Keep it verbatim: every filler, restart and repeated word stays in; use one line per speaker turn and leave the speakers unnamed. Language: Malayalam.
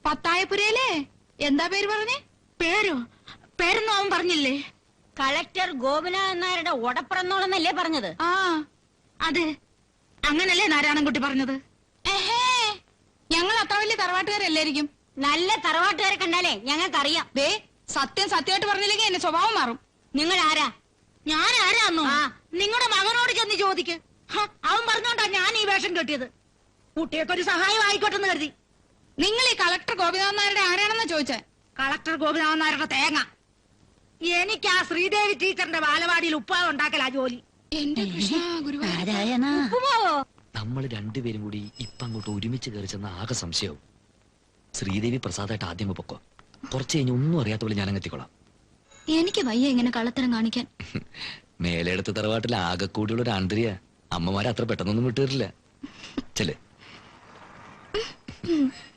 പത്തായപുരയിലെ എന്താ പേര് പറഞ്ഞേ?
പേരോ? പേരൊന്നും അവൻ പറഞ്ഞില്ലേ?
കളക്ടർ ഗോപിനാഥൻ നായരുടെ ഒടപ്പുറന്നോളെന്നല്ലേ പറഞ്ഞത്?
ആ അതെ, അങ്ങനല്ലേ നാരായണൻകുട്ടി പറഞ്ഞത്.
ഏഹേ, ഞങ്ങൾ അത്ര വലിയ തറവാട്ടുകാരല്ലായിരിക്കും.
നല്ല തറവാട്ടുകാരെ കണ്ടാലേ ഞങ്ങൾക്കറിയാം.
ദേ, സത്യം സത്യമായിട്ട് പറഞ്ഞില്ലെങ്കിൽ എന്റെ സ്വഭാവം മാറും.
നിങ്ങൾ ആരാ?
ഞാൻ ആരാന്നോ?
ആ.
നിങ്ങളുടെ മകനോട് ചെന്ന് ചോദിക്ക്. ഹ, അവൻ പറഞ്ഞോണ്ടാ ഞാൻ ഈ വേഷം കെട്ടിയത്. കുട്ടിയൊക്കെ ഒരു സഹായം ആയിക്കോട്ടെന്ന് കരുതി.
നിങ്ങൾ ഈ കളക്ടർ ഗോപിനാഥൻ നായരുടെ ആരാണെന്ന് ചോദിച്ചേ?
കളക്ടർ ഗോപിനാഥൻ നായരുടെ തേങ്ങ. എനിക്ക് ആ ശ്രീദേവി ടീച്ചറിന്റെ ബാലവാടിയിൽ ഉപ്പാവ് ഉണ്ടാക്കലാ ജോലി.
എന്റെ കൃഷ്ണ ഗുരുവായൂർ.
ഉപ്പുമാവോ?
നമ്മൾ രണ്ടുപേരും കൂടി ഇപ്പൊ അങ്ങോട്ട് ഒരുമിച്ച് കയറി ചെന്ന ആകെ സംശയവും. ശ്രീദേവി പ്രസാദായിട്ട് ആദ്യം പൊക്കോ, കുറച്ച് കഴിഞ്ഞ് ഒന്നും അറിയാത്ത പോലെ ഞാൻ അങ്ങെത്തിക്കൊള്ളാം.
എനിക്ക് വയ്യ ഇങ്ങനെ കള്ളത്തരം കാണിക്കാൻ.
മേലെടുത്ത തറവാട്ടിൽ ആകെ കൂടിയുള്ള ഒരു ആന്തരിയ അമ്മമാരെ അത്ര പെട്ടെന്നൊന്നും വിട്ടുതരില്ല. ചെല്ലേ.